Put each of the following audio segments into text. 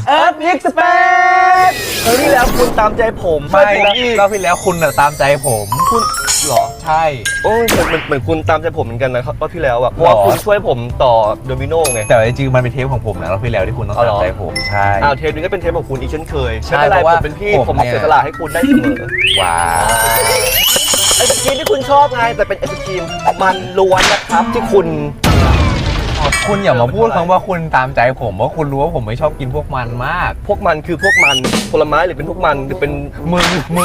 Epic Space ครั้งที่แล้วคุณตามใจผมไม่รอบที่แล้วคุณตามใจผมคุณหรอใช่โอ้ยเหมือนคุณตามใจผมเหมือนกันนะครับรอบที่แล้วอะเพราะว่าคุณช่วยผมต่อโดมิโนไงแต่จริงๆมันเป็นเทปของผมนะรอบที่แล้วที่คุณต้องตามใจผมใช่เทปนี้ก็เป็นเทปของคุณอีกเช่นเคยไม่เป็นไรผมเป็นพี่ผมเสียสละให้คุณได้เสมอว้าวไอศกรีมที่คุณชอบไงแต่เป็นไอศกรีมมันล้วนนะครับที่คุณอย่ามาพูดคำว่าคุณตามใจผมเพราะคุณรู้ว่าผมไม่ชอบกินพวกมันมากพวกมันคือพวกมันผลไม้หรือเป็นพวกมันหรือเป็นมึง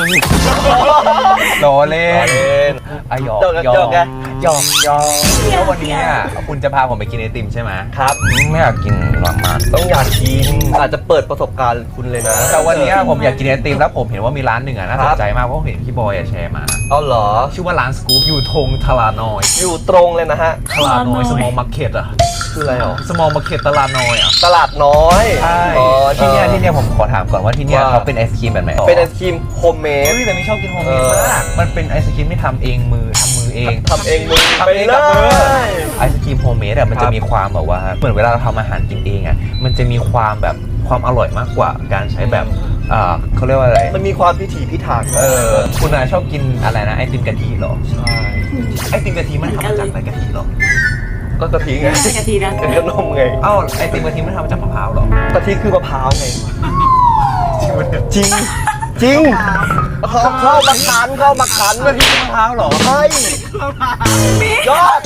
ล้อเล่นหยอกแล้ววันนี้คุณจะพาผมไปกินไอติมใช่ไหมครับไม่อยากกินหวานมันต้องอยากกินอาจจะเปิดประสบการณ์คุณเลยนะแต่วันนี้ผมอยากกินไอติมแล้วผมเห็นว่ามีร้านหนึ่งน่าสนใจมากเพราะเห็นพี่บอยแชร์มาอ๋อเหรอชื่อว่าร้านสกู๊ปอยู่ทงทลานอยอยู่ตรงเลยนะฮะทลานอยสมอลมาร์เก็ตคืออะไรหรอสมอลมาร์เก็ตตลาดน้อยตลาดน้อยใช่ที่เนี่ยผมขอถามก่อนว่าที่เนี่ยเขาเป็นไอศครีมแบบไหนเป็นไอศครีมโฮมเมดแต่ไม่ชอบกินโฮมเมดมากมันเป็นไอศครีมที่ทำเองมือเองทำเองมือไอศครีมโฮมเมดมันจะมีความแบบว่าเหมือนเวลาเราทำอาหารกินเองมันจะมีความแบบความอร่อยมากกว่าการใช้แบบเขาเรียกว่าอะไรมันมีความพิถีพิถันคุณชอบกินอะไรนะไอติมกะทิหรอใช่ไอติมกะทิมันทำมาจากอะไรกะทิหรอก็กะทิไงกะทินะเป็นขนมไงไอติมกะทิมันทำมาจากมะพร้าวหรอกะทิคือมะพร้าวไงจริงเข้ามาขันกะทิมะพร้าวหรอใช่ยอด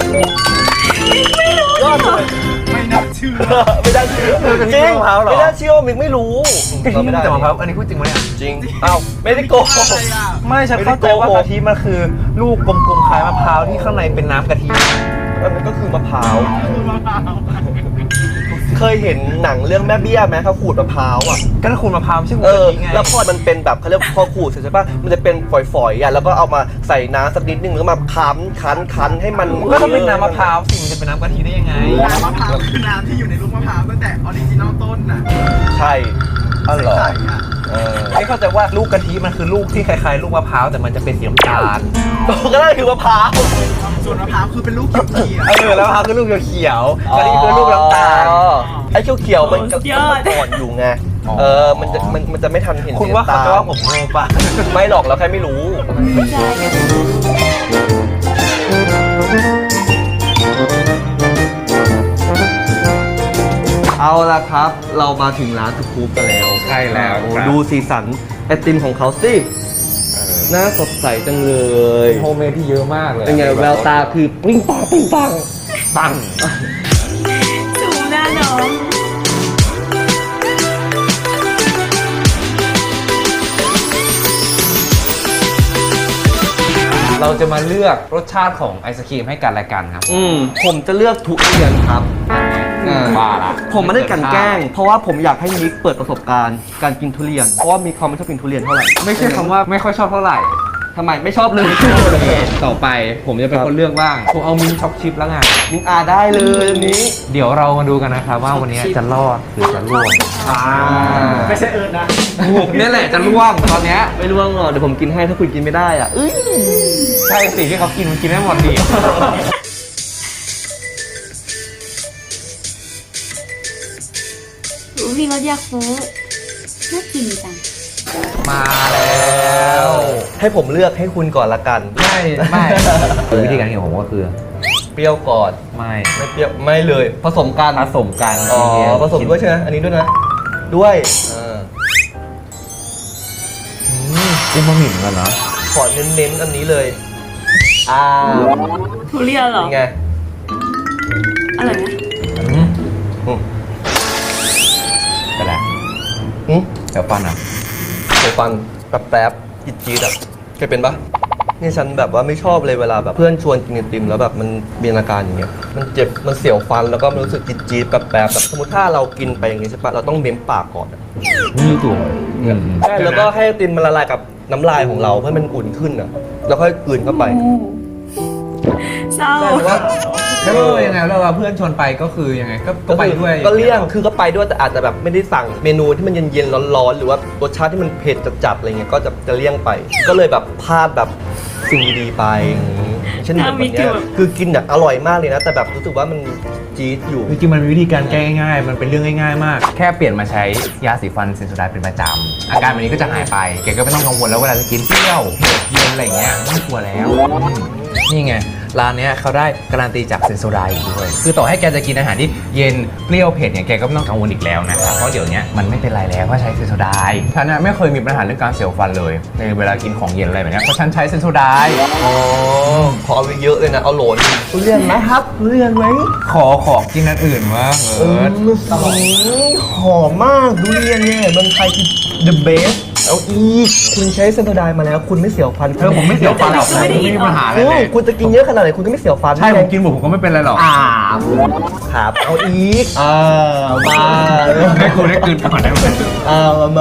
เลยไม่น่าเชื่อจริงไม่น่าเชื่อมิกไม่รู้กะทิมันจากมะพร้าวอันนี้พูดจริงไหมเนี่ยจริงไม่ได้โกหกไม่ฉันเข้าใจว่ากะทิมันคือลูกกลมๆคล้ายมะพร้าวที่ข้างในเป็นน้ำกะทิมันก็คือมะพร้าวเคยเห็นหนังเรื่องแม่เบี้ยไหมเขาขูดมะพร้าวก็ขูดมะพร้าวใช่ไหมแล้วพอมันเป็นแบบเขาเรียกพอขูดเสร็จใช่ป่ะมันจะเป็นฝอยๆแล้วก็เอามาใส่น้ำสักนิดนึงแล้วมาคั้นให้มันก็ต้องเป็นน้ำมะพร้าวสิมันจะเป็นน้ำกะทิได้ยังไงน้ำมะพร้าวคือน้ำที่อยู่ในลูกมะพร้าวตั้งแต่ออริจินอลต้นน่ะใช่อ๋อเหรอไม่เข้าใจว่าลูกกะทิมันคือลูกที่คล้ายๆลูกมะพร้าวแต่มันจะเป็นสีน้ำตาลก็นั่นคือมะพร้าวส่วนมะพร้าวคือเป็นลูกเขียวแล้วมะพร้าวคือลูกเขียวกะทิคือลูกน้ำตาลไอ้เขียวมันก็อ่อนอยู่ไงมันจะไม่ทันเห็นคุณว่าเขาจะว่าผมโง่ปะไม่หรอกเราแค่ไม่รู้เอาละครับเรามาถึงร้านสกู๊ปกันแล้วใช่แล้วดูสีสันไอติมของเขาสิน่าสดใสจังเลยโฮมเมดที่เยอะมากเลยเป็นไงแววตาคือปิ้งปังจูหน้าน้องเราจะมาเลือกรสชาติของไอศครีมให้กันและกันครับผมจะเลือกทุเรียนครับว่าละผมไม่ได้กันแกล้งเพราะว่าผมอยากให้มิกเปิดประสบการณ์การกินทุเรียนเพราะว่ามิกเขาไม่ชอบกินทุเรียนเท่าไหร่ไม่ใช่คำว่าไม่ค่อยชอบเท่าไหร่ทำไมไม่ชอบเลยต่อไปผมจะเป็นคนเลือกบ้างผมเอามิ้นช็อกชิพแล้วไงมิ้นได้เลยอันนี้เดี๋ยวเรามาดูกันนะครับว่าวันนี้จะรอดหรือจะร่วงไม่ใช่นะนี่แหละจะร่วงตอนนี้ไม่ร่วงหรอกเดี๋ยวผมกินให้ถ้าคุณกินไม่ได้ใช่สิที่เขากินมันกินได้หมดดิมีรสยาคูน่ากินจังมาแล้วให้ผมเลือกให้คุณก่อนละกันไม่วิธีการกินของผมก็คือเปรี้ยวก่อนไม่เปรี้ยวไม่เลยผสมกันผสมด้วยใช่ไหมอันนี้ด้วยนะด้วยจิ้มบะหมี่เหมือนกันนะขอเน้นอันนี้เลยทุเรียนเหรอไงอร่อยไหมไปแล้วเดี๋ยวฟันแป๊บจี๊ดเคยเป็นปะนี่ฉันแบบว่าไม่ชอบเลยเวลาแบบเพื่อนชวนกินไอติมแล้วแบบมันมีอาการอย่างเงี้ยมันเจ็บมันเสียวฟันแล้วก็มันรู้สึกจี๊ดแป๊บแบบสมมติถ้าเรากินไปอย่างงี้ใช่ปะเราต้องเม้มปากก่อนนี่ถูกใช่แล้วก็ให้ไอติมมันละลายกับน้ำลายของเราเพื่อมันอุ่นขึ้นแล้วค่อยกลืนเข้าไปเศร้ายังไงแล้วเพื่อนชวนไปก็คือยังไงก็ไปด้วยก็เลี่ยงคือก็ไปด้วยแต่อาจจะแบบไม่ได้สั่งเมนูที่มันเย็นๆร้อนๆหรือว่ารสชาติที่มันเผ็ดจัดๆอะไรเงี้ยก็จะเลี่ยงไปก็เลยแบบพลาดแบบสิ่งดีๆไปอย่างนี้เช่นแบบวันเนี้ยคือกินแบบอร่อยมากเลยนะ แต่แบบรู้สึกว่ามันจี๊ดอยู่จริงๆมันมีวิธีการแก้ง่ายๆ มันเป็นเรื่องง่ายๆ มาก แค่เปลี่ยนมาใช้ยาสีฟันเซนโซไดเป็นประจำอาการแบบนี้ก็จะหายไป แกก็ไม่ต้องกังวลแล้วเวลาจะกินเปรี้ยวเผ็ดเย็นอะไรเงี้ยไม่ต้องกลัวแล้วนี่ไงร้านเนี้ยเขาได้การันตีจากเซนโซไดอีกด้วยคือต่อให้แกจะกินอาหารที่เย็นเปรี้ยวเผ็ดเนี่ยแกก็ไม่ต้องกังวลอีกแล้วนะครับเพราะเดี๋ยวนี้มันไม่เป็นไรแล้วเพราะใช้เซนโซไดฉันน่ะไม่เคยมีปัญหาเรื่องการเสียวฟันเลยในเวลากินของเย็นอะไรแบบเนี้ยเพราะฉันใช้เซนโซไดอ๋อขอเอาไปเยอะเลยนะ เอาโหลนทุเรียนไหมครับทุเรียนไหมขอกินอันอื่นมากหอมมากทุเรียนเนี่ยเมืองไทยคือ the best เอาอีกคุณใช้เซนโซไดมาแล้วคุณไม่เสียวฟันผมไม่เสียวฟันหรอกผมไม่มีปัญหาอะไรเลยคุณจะกินเยอะขนาดไหนคุณก็ไม่เสียวฟันใช่ผมกินผมก็ไม่เป็นไรหรอกครับเอาอีกมาได้คุณได้คืนก่อนได้ไหมมา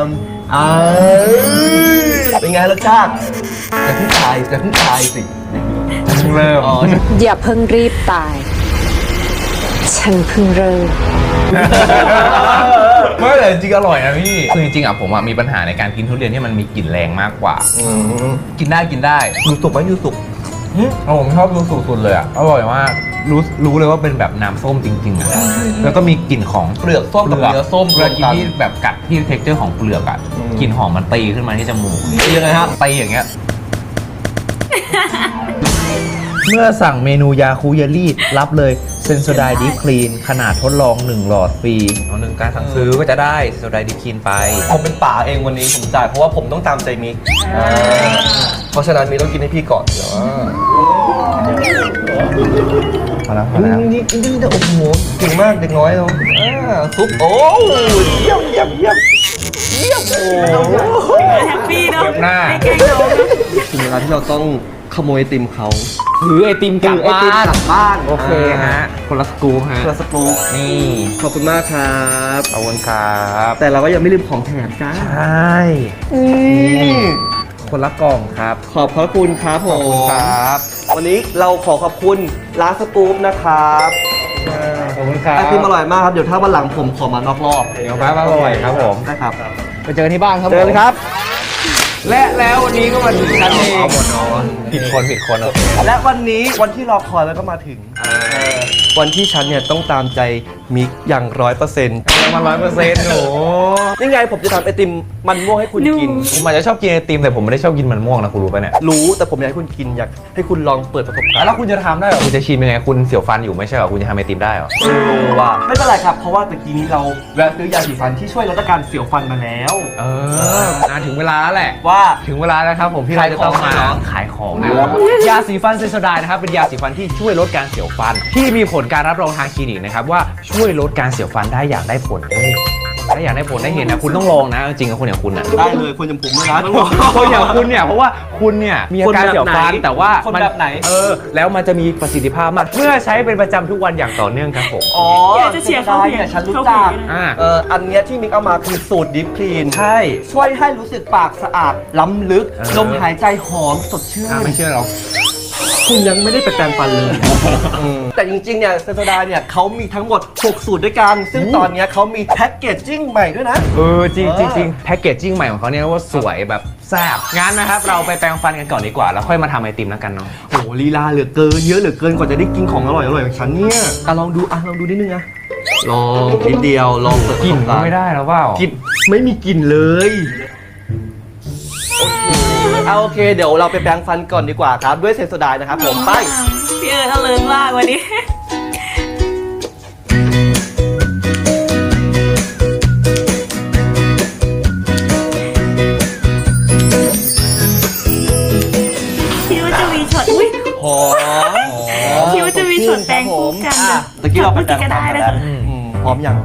เป็นไงรสชาติจะเพิ่งตายสิเริ่มอ๋ออย่าเพิ่งรีบตาย ฉันเพิ่งเริ่มไม่แต่จริงอร่อยนะพี่คือจริงๆอ่ะผมมีปัญหาในการกินทุเรียนที่มันมีกลิ่นแรงมากกว่า กินได้ยูสุกไหมยูสุกผมชอบยูสุสุดเลยอ่ะอร่อยมากรู้เลยว่าเป็นแบบน้ำส้มจริงๆอ่ะแล้วก็มีกลิ่นของเปลือกส้มกับเนื้อส้มเวลากินที่แบบกัดที่เท็กเจอร์ของเปลือกอ่ะกลิ่นหอมมันตีขึ้นมาที่จมูกยังไงฮะตีอย่างเงี้ย เมื่อสั่งเมนูยาคูเยลลี่รับเลยเซนโซไดดีคลีนขนาดทดลอง1 หลอดฟรีหนึ่งการสั่งซื้อก็จะได้เซนโซไดดีคลีนไปผมเป็นป่าเองวันนี้ผมจ่ายเพราะว่าผมต้องตามใจมิกเพราะฉะนั้นมิกต้องกินให้พี่ก่อนเดี๋ยวพอแล้วนี่โอ้โหเก่งมากเด็กน้อยเราซุปโอ้เยี่ยมโอ้แฮปปี้เนาะเก็บหน้าไม่เก่งน้องถึงเวลาที่เราต้องขโมยไอติมเขาถือไอติมกลับบ้าน โอเคฮะ คนละสกู๊ปฮะเพื่อสปู๊นี่ขอบคุณมากครับขอบคุณครับแต่เราก็ยังไม่ลืมของแถมจ้าใช่ คนละกล่องครับขอบพระคุณครับผมครับวันนี้เราขอขอบคุณร้านสปู๊ปนะครับขอบคุณครับไอติมอร่อยมากครับเดี๋ยวถ้าวันหลังผมขอมานอกรอบเดี๋ยวแป๊บอร่อยครับผมได้ครับไปเจอที่บ้านครับเจอกันครับและแล้ววันนี้ก็มาถึงชั้นเองผิดคนโอเคและวันนี้วันที่รอคอยแล้วก็มาถึงวันที่ฉันเนี่ยต้องตามใจมิกอย่าง100% มา100%หนูนี่ไงผมจะทำไอติมมันม่วงให้คุณกินผมอาจจะชอบกินไอติมแต่ผมไม่ได้ชอบกินมันม่วงนะคุณรู้ป่ะเนี่ยรู้แต่ผมอยากให้คุณกินอยากให้คุณลองเปิดประสบการณ์แล้วคุณจะทำได้เหรอคุณจะชิมยังไงคุณเสียวฟันอยู่ไม่ใช่เหรอคุณจะทำไอติมได้เหรอว่าไม่เป็นไรครับเพราะว่าตะกี้นี้เราแวะซื้อยาสีฟันที่ช่วยลดอาการเสียวฟันมาแล้วถึงเวลาแล้วแหละว่าถึงเวลาแล้วครับผมที่เราจะต้องมาขายของนะยาสีฟันเซนโซไดนะครับเป็นยาสีฟันที่ช่วยลดการเสียวฟัน ที่มีผลการรับรองทางคลินิกนะครับว่าช่วยลดการเสียวฟันได้อย่างได้ผลถ้าอยากได้ผลได้เห็นนะคุณต้องลองนะจริงๆกับคนอย่างคุณนะได้เลยคนอย่างผมเลยนะคนอย่างคุณเนี่ยเพราะว่าคุณเนี่ยมีอาการเสียวฟันแต่ว่าคนแบบไหนแล้วมันจะมีประสิทธิภาพมากเมื่อใช้เป็นประจำทุกวันอย่างต่อเนื่องครับผมอ๋ออยากจะเชียร์เขาเนี่ยฉันรู้จักอ่าอันเนี้ยที่มิกเอามาคือสูตรดิฟคลีนใช่ช่วยให้รู้สึกปากสะอาดล้ำลึกลมหายใจหอมสดชื่นไม่เชื่อหรอกคุณยังไม่ได้ไปแปรงฟันเลย แต่จริงๆ เนี่ยเซนโซไดเนี่ยเขามีทั้งหมด 6 สูตรด้วยกัน ซึ่งตอนเนี้ยเขามีแพ็กเกจจิ้งใหม่ด้วยนะจริงแพ็กเกจจิ้งใหม่ของเขาเนี่ยว่าสวยแบบแซ่บงั้นนะครับเราไปแปรงฟันกันก่อนดีกว่าแล้วค่อยมาทำไอติมแล้วกันเนาะโหลีลาเหลือเกิน เยอะเหลือเกินกว่าจะได้กินของอร่อยอย่างฉันเนี่ยลองดูนิดนึงนะลองนิดเดียวลองเปิดกลิ่นประสบก็การณ์ไม่ได้แล้วเปล่ากลิ่นไม่มีกลิ่นเลยโอเคเดี๋ยวเราไปแปรงฟันก่อนดีกว่าครับด้วยเซนโซไดนะครับผมไปพี่เอิร์ธเอาเลิศมากวันนี้คิดว่าจะมีช็อตอุ้ยหอมคิดว่าจะมีช็อตแปลงคู่กันนะตะกี้เราไปแปรงก็ฟันได้กันนะแล้วพร้อมยัง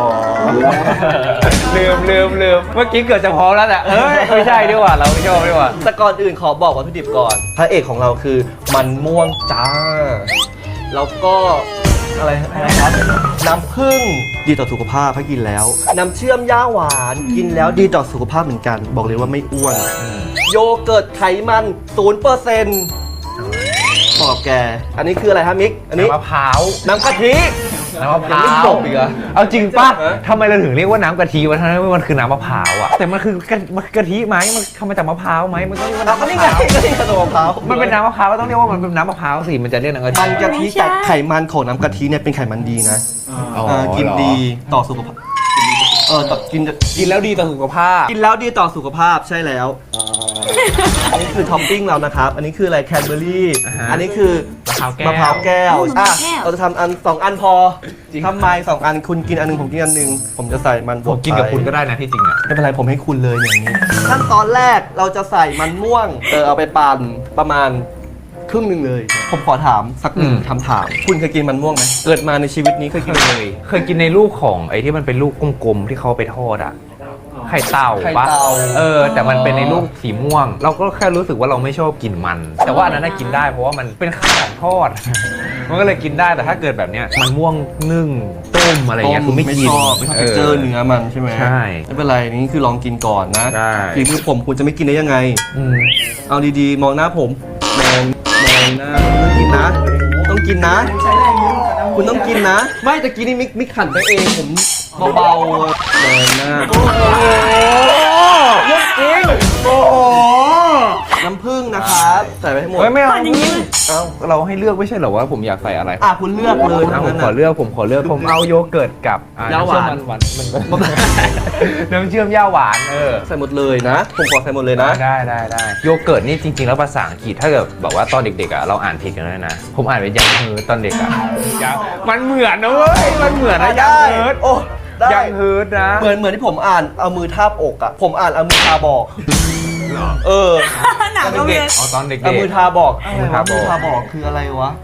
ลืมเมื่อกี้เกิดจะพร้อมแล้วแต่ไม่ใช่ดีกว่าเราไม่ชอบดีกว่าแต่ก่อนอื่นขอบอกวัตถุดิบก่อนพระเอกของเราคือมันม่วงจ้าแล้วก็อะไรนะครับน้ำผึ้งดีต่อสุขภาพถ้ากินแล้ว น้ำเชื่อมย่าหวานกินแล้วดีต่อสุขภาพเหมือนกัน บอกเลยว่าไม่อ้วน โยเกิร์ตไขมัน 0%บอกกับแก อันนี้คืออะไรฮะมิก อันนี้น้ำมะพร้าวน้ำกะทิน้ำมะพร้ายังไม่วจบอีกเหรอเอาจริงป่ะฮะทำไมเราถึงเรียกว่าน้ำกะทิวะทั้งที่มันคือน้ำมะพร้าวอะแต่มันคือกะทิไหมมันทำมาจากมะพร้าวไหมมันต้องเรียกว่าน้ำก็มะนี่พไงร้าวก็นี่ขนมมะพร้าวมันเป็นน้ำมะพร้าวก็ต้องเรียกว่ามันเป็นน้ำมะพร้าวสิมันจะเรียกน้ำกะทิมันกะทิแต่ไขมันของน้ำกะทิเนี่ยเป็นไขมันดีนะอ๋อกินเหรอดีต่อสุขภาพต่อกินกินแล้วดีต่อสุขภาพกินแล้วดีต่อสุขภาพใช่แล้ว อันนี้คือท็อปปิ้งเรานะครับ อันนี้คืออะไรแคนเบอร์รี่อ่าฮะอันนี้คือมะพร้าวแก้วมะพร้าวแก้วเราจะทำอัน2 อันพอทำไม2 อันคุณกินอันหนึงผมกินอันหนึงผมจะใส่มันบผวมกินกับคุณก็ไปได้นะที่จริงอะไม่เป็นไรผมให้คุณเลยอย่างนี้ขั้นตอนแรกเราจะใส่มันม่วงเอาไปปั่นประมาณครึ่งหนึ่งเลย ผมขอถามสักหนึ่งคำถาม คุณเคยกินมันม่วงไหมเกิดมาในชีวิตนี้เคยกินไหมเคยกินในลูกของไอ้ที่มันเป็นลูกกลมๆที่เขาไปทอดอะไข่เต่าไข่ปะเต่าแต่มันเป็นในลูกสีม่วง เราก็แค่รู้สึกว่าเราไม่ชอบกินมัน แต่ว่าอันนั้นน่ะกินได้เพราะว่ามันเป็นข้าวทอด มันก็เลยกินได้แต่ถ้าเกิดแบบเนี้ยมันม่วงนึ่งต้มอะไรเงี้ยคือไม่กินชอบไม่ชอบเจอเนื้อมันใช่ไหมใช่ไม่เป็นไรนี่คือลองกินก่อนนะได้ฝีมือผมคุณจะไม่กินได้ยังไงอืมเอาดีๆ มองหน้าผมมองหน้าต้องกินนะ ต้องกินนะ คุณต้องกินนะ ไม่ตะกี้นี่มิกขันไปเองผมเบาๆมองหน้าโอ้โหเรื่องจริงโอ้โหน้ำผึ้งนะครับใส่ไปให้หมดเฮ้ยไม่เอาปั่นอย่างนี้เลยเอ้าเราให้เลือกไม่ใช่เหรอว่าผมอยากใส่อะไรคุณเลือกเลยอ่ะทั้งผนั้มนขอน่ะเลือกผมเอาโยเกิร์ตกับย่าหวานน้ำเชื่อมมันน้ำเชื่อมย่าหวานใส่หมดเลยนะ ผมขอใส่หมดเลยนะได้โยเกิร์ตนี่จริงๆแล้วภาษาอังกฤษถ้าเกิดบอกว่าตอนเด็กๆอ่ะเราอ่านผิดกันเลยนะผมอ่านเป็นยังเฮิร์ตตอนเด็กอ่ะมันเหมือนนะเว้ยมันเหมือนนะยังเฮิร์ตโอ้ได้ยังเฮิร์ตนะเหมือนที่ผมอ่านเอามือทาบอกอ่ะ ผมอ่านเอามือทาบอกเออหนังก็เวียนอ๋อตอนเด็กๆเอามือทาบอกมือทาบอกมือทาบอกคืออะไรวะ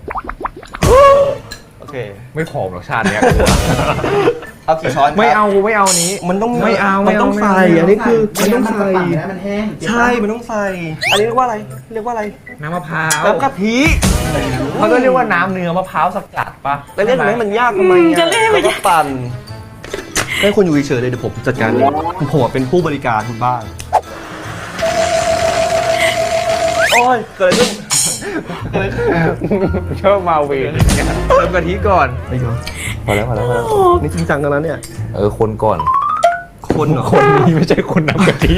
โอเคไม่ผอมหรอกชาติเนี้ยเอากี่ช้อนครับไม่เอานี้มันต้องไม่เอามันต้องไม่เอาใส่ไม่เอาอันนี้คือมันต้องใส่มันแห้งใช่มันต้องใส่อันนี้เรียกว่าอะไรเรียกว่าอะไรน้ำมะพร้าวน้ำกะทิเขาก็เรียกว่าน้ำเนื้อมะพร้าวสกัดปะแล้วเรียกมันให้มันยากทำไมจะเรียกมันแล้วก็ปั่นให้คุณอยู่เฉยๆเลยเดี๋ยวผมจัดการเองผมเป็นผู้บริการคุณบ้างโอ้ยเกิดอะไรขึ้นชอบมาเวรเติมกะทิก่อนไม่ยอมพอแล้วนี่จริงจังกันแล้วเนี่ยคนก่อนคนเหรอคนนี้ไม่ใช่คนน้ำกะทิ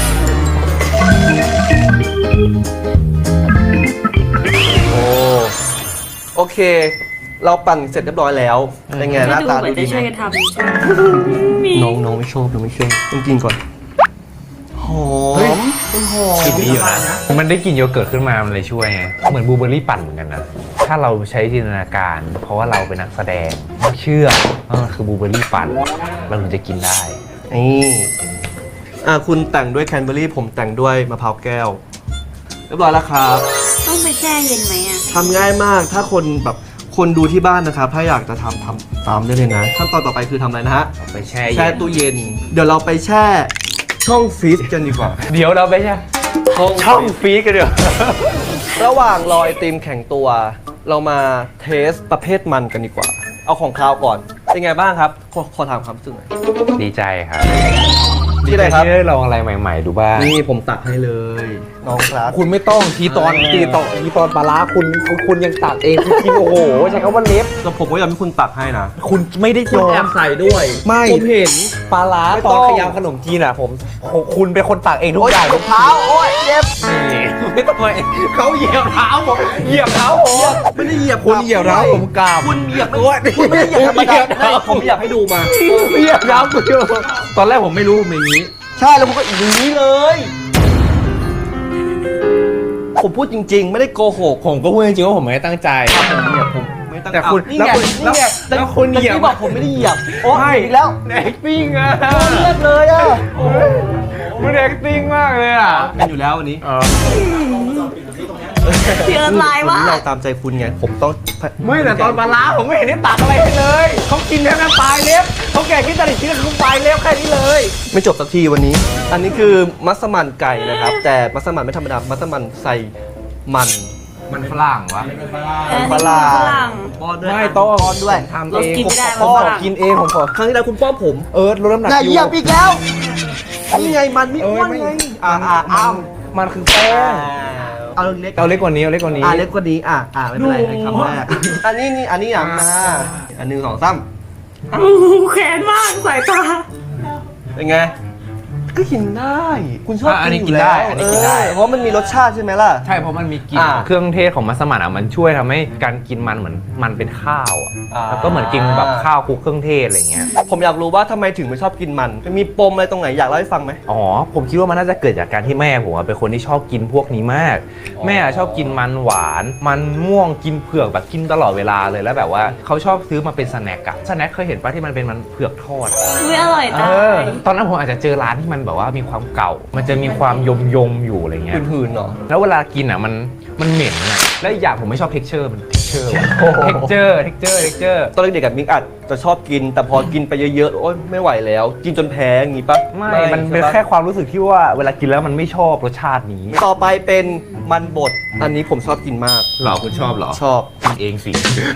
โอเค เราปั่นเสร็จเรียบร้อยแล้วเป็นไงหน้าดูตาเหมืดูอนดีจะไหช่วยมกันทำมีน้องไม่ชอบไม่ชอบต้องกินก่อนหอมมันหอมกลิ่นดีอยู่นะมันได้กลิ่นโยเกิร์ตขึ้นมามันเลยช่วยไงเหมือนบลูเบอร์รี่ปั่นเหมือนกันนะถ้าเราใช้จินตนาการ เพราะว่าเราเป็นนักแสดงเชื่อว่ามันคือบลูเบอร์รี่ปั่นเราถึงจะกินได้นี่คุณแต่งด้วยแคนเบอร์รี่ผมแต่งด้วยมะพร้าวแก้วเรียบร้อยแล้วครับต้องไปแช่เย็นไหมอ่ะทำง่ายมากถ้าคนดูที่บ้านนะครับ ถ้าอยากจะทำตามได้เลยนะขั้นตอนต่อไปคือทำอะไรนะฮะไปแช่แช่ตู้เย็น เดี๋ยวเราไปแช่ช่องฟรีซกันดีกว่าเดี๋ยวเราไปแช่ช่องฟรีซกันเดี๋ยวระหว่างรอไอติมแข็งตัว เรามาเทสประเภทมันกันดีกว่า เอาของคาวก่อน เป็นไงบ้างครับ ขอถามความรู้สึกหน่อยดีใจครับที่ไหนครับที่ได้ลองอะไรใหม่ๆดูบ้างนี่ผมตักให้เลย น้องครับคุณไม่ต้องทีตอนปลาร้าคุณยังตัดเองคุณกินโอ้โหใช้คำว่าเล็บแล้วผมก็ยอมให้คุณตักให้นะคุณไม่ได้คุณแอบใส่ด้วยไม่ผมเห็นปลาร้าไม่ตต้ออนงขยำขนมจีนอ่ะคุณเป็นคนตักเองทุกโอ๊ยอย่างรองเท้าโอ๊ยเจ็บไม่ต้องเลยเขาเหยียบเท้าผมเหยียบเท้าผมไม่ได้เหยียบคุณเหยียบเท้าผมกราบคุณเหยียบโอ๊ยคุณไม่ได้เหยียบธรรมเหยีดายบเท้าผมอยากให้ดูมาเหยียบเท้าคุณตอนแรกผมไม่รู้ผมอย่างนี้ใช่แล้วผมก็อย่างนี้เลย ผมพูดจริง ๆ ไม่ได้โกหกผมก็พูดจริงๆว่าผมไม่ได้ตั้งใจผมไม่ตั้งแต่คุณนี่ไงแล้วนี่ไงแล้วคุณเหยียบตะกี้บอกผมไม่ได้เหยียบโอ้ใช่อีกแล้ว acting อ่ะเลือดเลยอ่ะมัน acting มากเลยอ่ะเป็นอยู่แล้ววันนี้พี่เอิร์ธลายวันว่านี้เราตามใจคุณไงผมต้องไม่แต่ตอนปลาร้าผมไม่เห็นได้ตักอะไรให้เลยเขากินแค่นั้นปลายเล็บเขาแก่กินแต่ละชิ้นคือปลายเล็บแค่นี้เลยไม่จบสักทีวันนี้ อันนี้คือมัสมั่นไก่นะครับ แต่มัสมั่นไม่ธรรมดามัสมั่นใส่มันมันฝรั่งวะฝรั่งฝรั่งป้อนด้วยไม่ต้องป้อนด้วยทำเราเองกินไม่ได้ผมมันฝรั่งกินเองผมขอครั้งที่แล้วคุณป้อนผมลดน้ำหนักอย่าอเหยู่ยียบอีกแล้วนี่ไงมันไม่อ้วนไงมันคือแป้งเอาเล็กเอาเล็กกว่านี้เอาเล็กกว่านี้เล็กกว่านี้ไม่เป็นไรให้คำแรกอันนี้อย่างอันหนึ่งสองสามโอ้โหแค้นมากสายตาเป็นไงก็กินได้คุณชอบอันนี้กินอยู่แล้วอันนี้กินได้เพราะมันมีรสชาติใช่ไหมล่ะใช่เพราะมันมีกลิ่นอ่าเครื่องเทศของมัสมั่นอ่ะมันช่วยทำให้การกินมันเหมือนมันเป็นข้าวอ่ะอ่าแล้วก็เหมือนกินแบบข้าวคลุกเครื่องเทศอะไรเงี้ยผมอยากรู้ว่าทำไมถึงไม่ชอบกินมันมีปมอะไรตรงไหนอยากเล่าให้ฟังไหมอ๋อผมคิดว่ามันน่าจะเกิดจากการที่แม่ผมอะเป็นคนที่ชอบกินพวกนี้มาก แม่ชอบกินมันหวานมันม่วงกินเผือกแบบกินตลอดเวลาเลยแล้วแบบว่าเขาชอบซื้อมาเป็นสแน็คอะสแน็คเคยเห็นปะที่มันเป็นมันเผือกทอดอะไม่อร่อยตายตอนนั้นผมอาจจะเจอร้านที่มันแบบว่ามีความเก่า มันจะมีความยมอยู่อะไรเงี้ยหืนๆเนาะแล้วเวลากินอ่ะมันเหม็นอ่ะ แล้วอีกอย่างผมไม่ชอบเท็กเจอร์มันเท็กเจอร์เท็กเจอร์ตอนเด็กๆกับมิกอาจจะชอบกิน แต่พอกินไปเยอะๆโอ๊ยไม่ไหวแล้ว กินจนแพ้อย่างงี้ปะไม่มันเป็นใช่ปะแค่ความรู้สึกที่ว่าเวลากินแล้วมันไม่ชอบรสชาตินี้ต่อไปเป็นมันบดอันนี้ผมชอบกินมากหรอคุณชอบหรอชอบกินเองสิ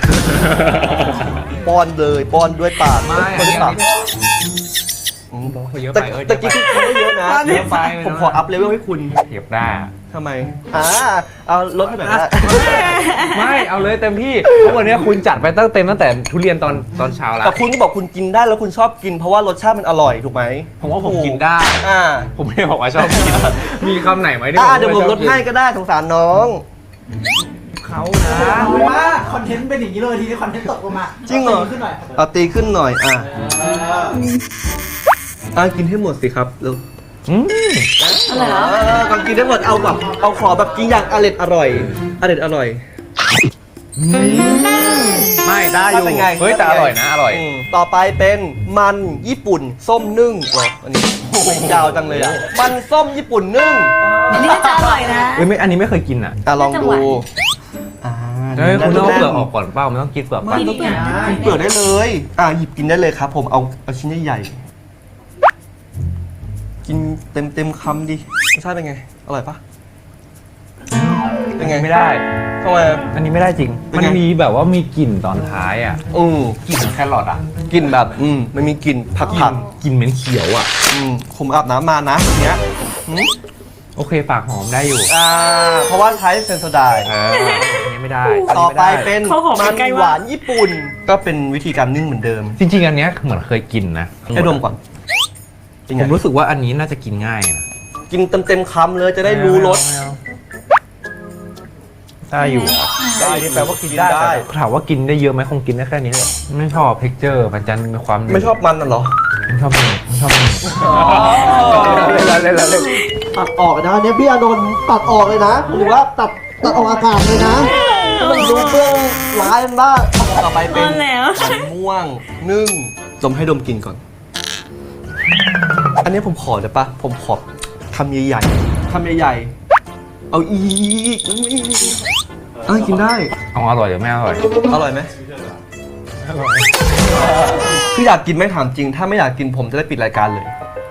ป้อนเลยป้อนด้วยปากไม่ป้อนด้วยปากเยอะแต่ไปเออแต่กี้คุณไม่เยอะนะเยอะไปผมขออัพเลเวลให้คุณเทียบได้ทำไมเอาลดให้หน่อยนะไม่เอาเลยเต็มที่เพราะวันนี้คุณจัดไปเต็มตั้งแต่ทุเรียนตอนเช้าแล้วแต่คุณก็บอกคุณกินได้แล้วคุณชอบกินเพราะว่ารสชาติมันอร่อยถูกไหมผมว่าผมกินได้อ่าผมไม่ได้บอกว่าชอบกิน มีคำไหนไหมที่เดี๋ยวผมลดให้ก็ได้สงสารน้องเขานะว่าคอนเทนต์เป็นอย่างนี้เลยทีนี้คอนเทนต์ตกลงมาจริงเหรอขึ้นหน่อยเอาตีขึ้นหน่อยกินให้หมดสิครับเร็วอะไรเหรอก่อนกินให้หมดเอาแบบเอาขอแบบกินอย่างอร่อยไม่ได้อยู่เป็นไงเฮ้ยแต่อร่อยนะอร่อยต่อไปเป็นมันญี่ปุ่นส้มนึ่งเหรออันนี้ยาวจังเลยอ่ะมันส้มญี่ปุ่นนึ่งอันนี้ก็จะอร่อยนะเอ้ยไม่อันนี้ไม่เคยกินอ่ะลองดูเฮ้ยคุณต้องเอาเปลือกออกก่อนเปล่ามันต้องกินเปลือกก่อนกินเปลือกกินเปลือกได้เลยหยิบกินได้เลยครับผมเอาชิ้นใหญ่ๆกินเต็มคำดิรสชาติเป็นไงอร่อยปะเป็นไงไม่ได้ทำไมอันนี้ไม่ได้จริงเป็นมันไงมีแบบว่ามีกลิ่นตอนท้ายอ่ะ กลิ่นแครอทอ่ะกลิ่นแบบมันมีกลิ่นผักกลิ่นเหม็นเขียวอ่ะผมอาบน้ำมานะอย่างเงี้ยโอเคปากหอมได้อยู่เพราะว่าใช้เซนโซไดน์อันนี้ไม่ได้ต่อไปเป็นเขาหอมมันใกล้หมากวานญี่ปุ่น ก็เป็นวิธีการนึ่งเหมือนเดิมจริงๆอันเนี้ยเหมือนเคยกินนะให้ดมก่อนเป็นผไงมรู้สึกว่าอันนี้น่าจะกินง่ายนะกินเต็มคำเลยจะได้รู้รสได้อยู่ได้นี่แปลว่ากินได้ถามว่ากินได้เยอะไหมคงกินได้แค่นี้แหละไม่ชอบเท็กเจอร์มันจะมีความไม่ชอบมันน่ะเหรอไม่ชอบมันไม่ชอบมันเล่นตัดออกนะเนี่ยพี่อานนท์ตัดออกเลยนะหรือว่าตัดออกอากาศเลยนะมันรู้เบื้องร้ายมันบ้างต่อไปเป็นเอาแล้วมันม่วงนึ่งดมให้ดมกินก่อน อันนี้ผมขอได้ปะผมขอคำใหญ่ๆคำใหญ่ๆเอาอีกกินได้เอาอร่อยหรือไม่อร่อยอร่อยไหมคืออยากกินไหม่ถามจริง ถ้าไม่อยากกินผมจะได้ปิดรายการเลย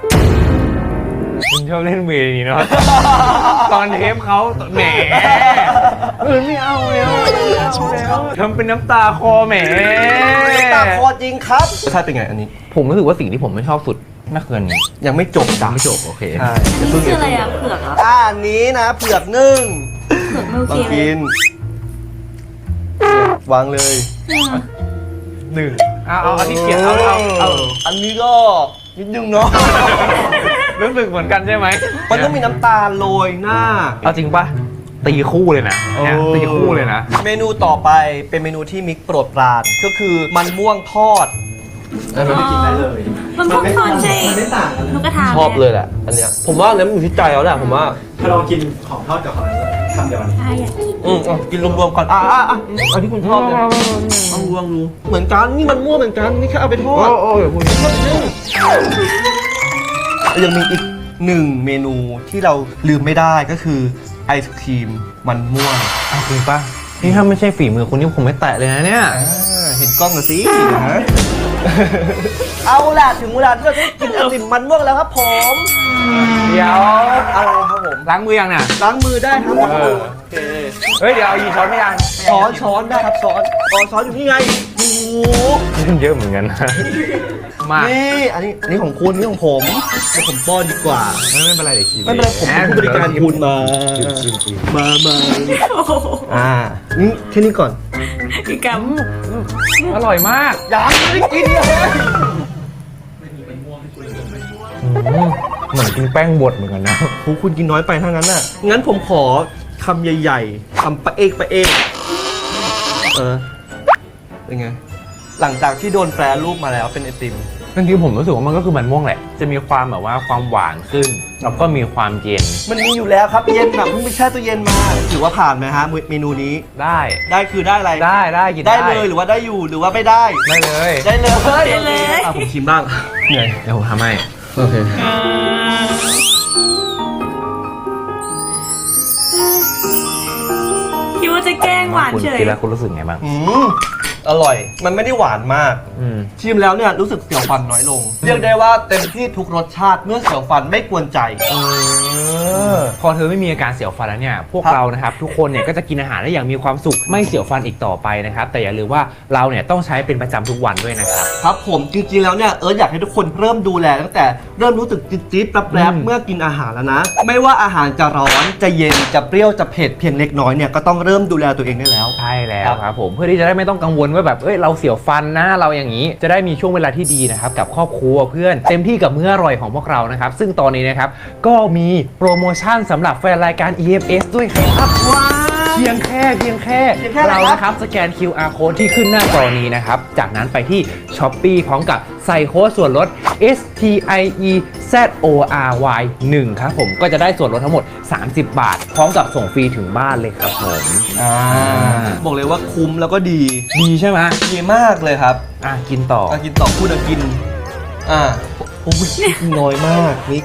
คุณชอบเล่นเวรนี้เนาะ ตอนเทปเขาแหมไม่เอาแล้วทำเป็นน้ำตาคอแหมตาคอจริงครับรสชาติเป็นไงอันนี้ผมรู้สึกว่าสิ่งที่ผมไม่ชอบสุดไม่คืออันนี้ยังไม่จบจ้ะไม่จบโอเคใช่นี่คืออะไรอ่ะเผือกเหรออันนี้นะเผือกนึ่งเผือกไม่โอลอเคงเลกิยน วางเลยหนึ่งเอาอันที่เกียรเอาอันนี้ก็นิดนึงเนาะรู้สึกเหมือนกันใช่ไหมมันต้องมีน้ำตาลโรยหน้าเอาจริงปะตีคู่เลยนะเนี่ยตีคู่เลยนะเมนูต่อไปเป็นเมนูที่มิกโปรดปรานก็คือมันม่วงทอดมันพวกทอดใช่ไม่ต่างกันลูกกระทาชอบเลยแหละอันเนี้ยผมว่าแล้วมันอยู่ที่ใจแล้วแหละผมว่าถ้าเรากินของทอดกับของอะไรคำเดียวกันอยากกินกินรวมๆก่อนเอาที่คุณชอบเลยเอาลองดูเหมือนกันนี่มันม่วงเหมือนกันนี่แค่เอาไปทอดโอ้ยคุณยังมีอีกหนึ่งเมนูที่เราลืมไม่ได้ก็คือไอศครีมมันม่วงเอาจริงปะนี่ถ้าไม่ใช่ฝีมือคุณนี่ผมไม่แตะเลยนะเนี่ยเห็นกล้องหน่อยสิเอาล่ะถึงเวลาที่เราจะได้กินไอติมมันม่วงแล้วครับผมเดี๋ยวอะไรครับผมล้างมือยังน่ะล้างมือได้ครับผมเออโอเคเฮ้ยเดี๋ยวเอายีช้อนไม่ยังช้อนได้ครับช้อนอยู่นี่ไงโอ้โหเยอะเหมือนกันนะมานี่อันนี้ของคุณนี่ของผมเดี๋ยวผมป้อนดีกว่าไม่เป็นไรเดี๋ยวชิมไม่เป็นไรผมเป็นผู้บริการคุณมานี่แค่นี้ก่อนอีกกอร่อยมากยังไม่ได้กินเลยเหมือนกินแป้งบดเหมือนกันนะโหคุณกินน้อยไปทั้งนั้นน่ะงั้นผมขอคำใหญ่ๆคำปะเอกเป็นไงหลังจากที่โดนแปรรูปมาแล้วเป็นไอติมจริงๆผมรู้สึกว่ามันก็คือมันม่วงแหละ จะมีความแบบว่าความหวานขึ้น แล้วก็มีความเย็นมันมีอยู่แล้วครับเย็นแบบเพิ่งไปแช่ตู้เย็นมาถือว่าผ่านไหมฮะเมนูนี้ได้ได้คือได้อะไรได้กินได้เลยหรือว่าได้อยู่หรือว่าไม่ได้ได้เลยได้เลยได้เลยอ่ะผมชิมบ้างเหนื่อยเดี๋ยวผมทำให้โอเคคิดว่าจะแกล้งหวานคุณเฉยกินแล้วคุณรู้สึกไงบ้างอร่อย มันไม่ได้หวานมากอืมชิมแล้วเนี่ยรู้สึกเสียวฟันน้อยลง เรียกได้ว่าเต็มที่ทุกรสชาติเมื่อเสียวฟันไม่กวนใจพอเธอไม่มีอาการเสียวฟันแล้วเนี่ย พวกครับเรานะครับทุกคนเนี่ยก็จะกินอาหารได้อย่างมีความสุขไม่เสียวฟันอีกต่อไปนะครับ แต่อย่าลืมว่าเราเนี่ยต้องใช้เป็นประจำทุกวันด้วยนะครับครับผมจริงๆแล้วเนี่ยอยากให้ทุกคนเริ่มดูแลตั้งแต่เริ่มรู้สึกจี๊ดๆแปรบๆเมื่อกินอาหารแล้วนะ ไม่ว่าอาหารจะร้อนจะเย็นจะเปรี้ยวจะเผ็ดเพียงเล็กน้อยเนี่ยก็ต้องเริ่มดูแลตัวเองได้แล้วใช่แล้วครับผมเพื่อที่จะได้ไม่ต้องกังวลว่าแบบเราเสียวฟันนะเราอย่างนี้จะได้มีช่วงเวลาที่ดีนะครับกับครอบครัวเพื่อนเต็มที่กับมื้ออร่อยของพวกเรานะครับซึ่งตอนนี้นะครับก็มีโปรโมชั่นสำหรับแฟนรายการ EMS ด้วยครับเพียงแค่เรานะครับสแกน QR code ที่ขึ้นหน้าจอนี้นะครับจากนั้นไปที่ Shopee พร้อมกับใส่โค้ดส่วนลด STIEZORY 1ครับผมก็จะได้ส่วนลดทั้งหมด30 บาท พร้อมกับส่งฟรีถึงบ้านเลยครับผมบอกเลยว่าคุ้มแล้วก็ดีดีใช่ไหมดีมากเลยครับกินต่อกินต่อพูดกินผมกินน้อยมากนิก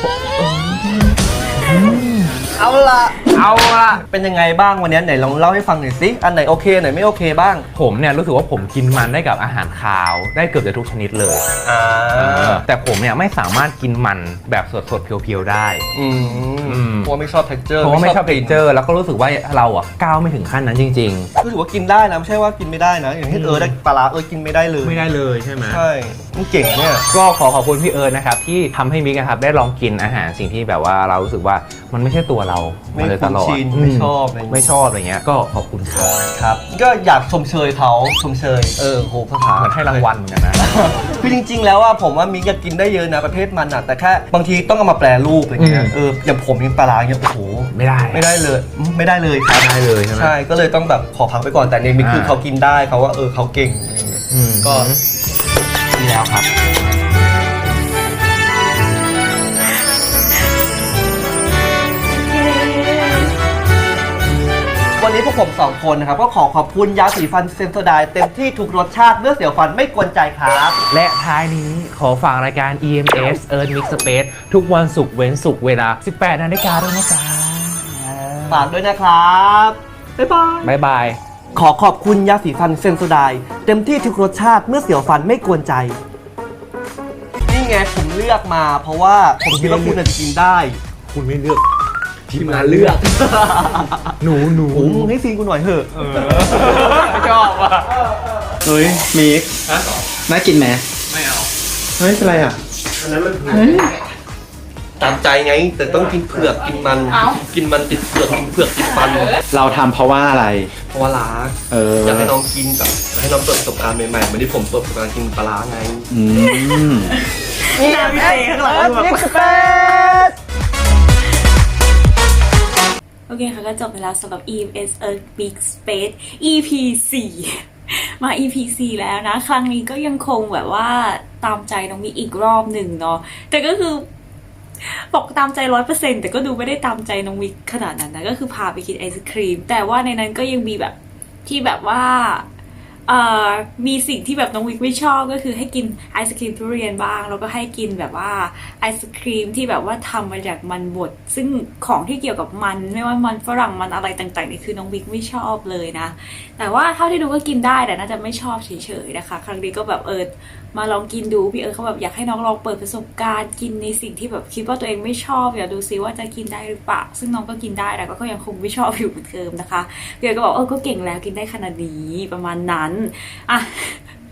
เอาละเป็นยังไงบ้างวันนี้ไหนลองเล่าให้ฟังหน่อยสิอันไหนโอเคไหนไม่โอเคบ้างผมเนี่ยรู้สึกว่าผมกินมันได้กับอาหารคาวได้เกือบจะทุกชนิดเลยแต่ผมเนี่ยไม่สามารถกินมันแบบสดๆเพียวๆได้เพราะไม่ชอบ texture เพราะว่าไม่ชอบเท็กเจอร์แล้วก็รู้สึกว่าเราก้าวไม่ถึงขั้นนั้นจริงๆรู้สึกว่ากินได้นะไม่ใช่ว่ากินไม่ได้นะอย่างที่ได้ปลาร้ากินไม่ได้เลยไม่ได้เลยใช่ไหมใช่มันเก่งเนี่ยก็ขอบคุณพี่เอิร์ธนะครับที่ทำให้มิกนะครับได้ลองกินอาหารสิ่งที่แบบว่าเรารู้สึกว่ามันไม่ใช่ตัวเราไม่มาเลยตลอดคุ้นชินไม่ชอบอะไรอย่างเงี้ยไม่ชอบอะไรเงี้ยก็ขอบคุณครับครับก็อยากชมเชยเขาชมเชยโหภาษาเหมือนให้รางวัลเหมือนกันนะคือจริงๆแล้วผมว่ามิกอยากกินได้เยอะนะประเภทมันแต่แค่บางทีต้องเอามาแปรรูปอะไรเงี้ยอย่างผมกินปลาร้าเงี้ยโอ้โหไม่ได้ไม่ได้เลยไม่ได้เลยครับไม่ได้เลยใช่ไหมใช่ก็เลยต้องแบบขอพักไปก่อนแต่ในมิกคือเขากินได้เขาว่าเขาเก่งอะไรเงี้ยก็ดีแล้วครับวันนี้พวกผมสองคนนะครับก็ขอขอบคุณยาสีฟันเซนโซไดเต็มที่ทุกรสชาติเมื่อเสียวฟันไม่กวนใจครับและท้ายนี้ขอฝากรายการ EMS Earth Mix Space ทุกวันศุกร์เว้นศุกร์เวลา 18 นาฬิกาด้วยนะจ๊ะฝากด้วยนะครับบ๊ายบายบ๊ายบายขอขอบคุณยาสีฟันเซนโซไดเต็มที่ทุกรสชาติเมื่อเสียวฟันไม่กวนใจ นี่ไงผมเลือกมาเพราะว่าผมคิดว่าคุณจะกินได้คุณไม่เลือกทีมงานเลือก หนูโอ้มึงให้ซีนกูหน่อยเถอะชอบอ่ะเฮ้ยมิกน่ากินไหมไม่เอาเฮ้ยเป็นไรอ่ะตามใจไง แต่ต้องกินเผือกกินมัน กินมันติดเผือกกินเผือกติดฟันเราทำเพราะว่าอะไรเพราะว่ารักอยากให้น้องกินแบบอยากให้น้องเปิดประสบการณ์ใหม่ๆเหมือนที่ผมเปิดประสบการณ์กินปลาร้าไงหน้าพี่เต้ข้างหลังแบบโอเคค่ะก็จบไปแล้วสำหรับ EMS Earth Big Space EP 4 มา EP 4 แล้วนะ ครั้งนี้ก็ยังคงแบบว่าตามใจน้องมิกอีกรอบหนึ่งเนาะแต่ก็คือบอกตามใจ 100% แต่ก็ดูไม่ได้ตามใจน้องมิกขนาดนั้นนะก็คือพาไปกินไอศครีมแต่ว่าในนั้นก็ยังมีแบบที่แบบว่ามีสิ่งที่แบบน้องวิกไม่ชอบก็คือให้กินไอศครีมทุเรียนบ้างแล้วก็ให้กินแบบว่าไอศครีมที่แบบว่าทำมาจากมันบดซึ่งของที่เกี่ยวกับมันไม่ว่ามันฝรั่งมันอะไรต่างๆนี่คือน้องวิกไม่ชอบเลยนะแต่ว่าเท่าที่ดูก็กินได้แต่น่าจะไม่ชอบเฉยๆนะคะครั้งนี้ก็แบบมาลองกินดูพี่เขาแบบอยากให้น้องลองเปิดประสบการณ์กินในสิ่งที่แบบคิดว่าตัวเองไม่ชอบอยากดูซิว่าจะกินได้หรือเปล่าซึ่งน้องก็กินได้แต่ก็ยังคงไม่ชอบอยู่เหมือนเดิมนะคะพี่ก็บอกก็เก่งแล้วกินได้ขนาดนี้ประมาณนั้นอ่ะ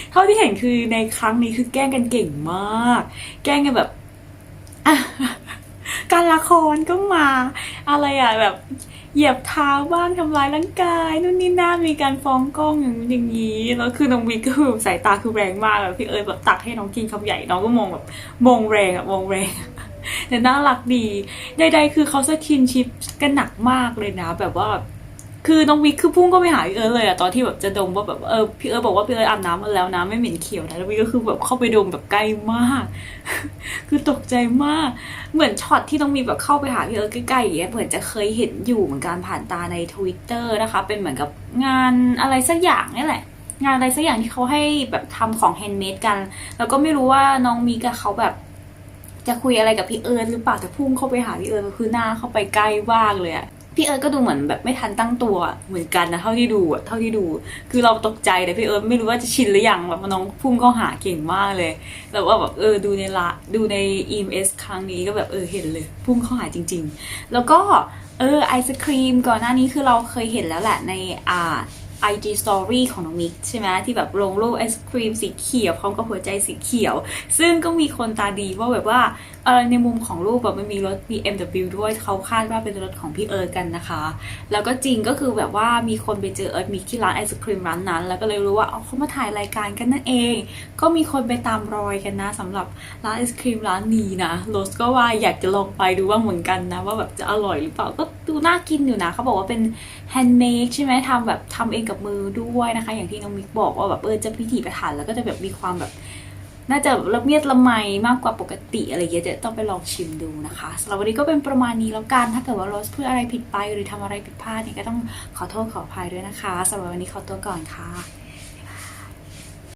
เท่าที่เห็นคือในครั้งนี้คือแกล้งกันเก่งมาก แกล้งกันแบบอ่ะการละครก็มาอะไรอ่ะแบบเหยียบเท้าบ้างทำร้ายร่างกายนู่นนี่นั่นมีการฟ้องกล้องอย่างนี้แล้วคือน้องวิกก็คือสายตาคือแรงมากแบบพี่เอิร์ธแบบตักให้น้องกินคำใหญ่น้องก็มองแบบมองแรงอ่ะมองแรง แต่น่ารักดีใดๆคือเขาสกินชิปกันหนักมากเลยนะแบบว่าคือน้องวิกคือพุ่งก็ไปหาพี่เอิร์ธเลยอะตอนที่แบบจะดมว่าแบบพี่เอิร์ธบอกว่าพี่เอิร์ธอาบน้ำมาแล้วนะไม่เหม็นเขียวนะแล้ววิกก็คือแบบเข้าไปดมแบบใกล้มาก คือตกใจมากเหมือนช็อตที่ต้องมีแบบเข้าไปหาพี่เอิร์ธใกล้ๆอย่างเงี้ยเหมือนจะเคยเห็นอยู่เหมือนกันผ่านตาใน Twitter นะคะเป็นเหมือนกับงานอะไรสักอย่างนี่แหละงานอะไรสักอย่างที่เขาให้แบบทำของแฮนด์เมดกันแล้วก็ไม่รู้ว่าน้องมิกกับเขาแบบจะคุยอะไรกับพี่เอิร์ธหรือเปล่าแต่พุ่งเข้าไปหาพี่เอิร์ธก็คือหน้าเข้าไปใกล้มากเลยอะพี่เอิร์ธก็ดูเหมือนแบบไม่ทันตั้งตัวเหมือนกันนะเท่าที่ดูคือเราตกใจแต่พี่เอิร์ธไม่รู้ว่าจะชินหรือยังแบบน้องพุ่งเข้าหาเก่งมากเลยแต่ว่าแบบดูใน EMS ครั้งนี้ก็แบบเห็นเลยพุ่งเข้าหาจริงๆแล้วก็ไอศครีมก่อนหน้านี้คือเราเคยเห็นแล้วแหละในIG Story ของน้องมิกใช่ไหมที่แบบลงรูปไอศครีมสีเขียวพร้อมกับหัวใจสีเขียวซึ่งก็มีคนตาดีว่าแบบว่าในมุมของรูปแบบมันมีรถ BMW ด้วยเขาคาดว่าเป็นรถของพี่เอิร์ธกันนะคะแล้วก็จริงก็คือแบบว่ามีคนไปเจอเอิร์ธมิกที่ร้านไอศครีมร้านนั้นแล้วก็เลยรู้ว่าเขามาถ่ายรายการกันนั่นเองก็มีคนไปตามรอยกันนะสำหรับร้านไอศครีมร้านนี้นะโรสก็ว่าอยากจะลองไปดูบ้างเหมือนกันนะว่าแบบจะอร่อยหรือเปล่าก็ดูน่ากินอยู่นะเขาบอกว่าเป็นแฮนด์เมดใช่ไหมทำเองกับมือด้วยนะคะอย่างที่น้องมิกบอกว่าแบบจะพิถีพิถันแล้วก็จะแบบมีความแบบน่าจะละเมียดละไมมากกว่าปกติอะไรอย่างเงี้ยจะต้องไปลองชิมดูนะคะสำหรับวันนี้ก็เป็นประมาณนี้แล้วกันถ้าเกิดว่าโรสพูดอะไรผิดไปหรือทำอะไรผิดพลาดเนี่ยก็ต้องขอโทษขออภัยด้วยนะคะสำหรับวันนี้ขอตัวก่อนค่ะ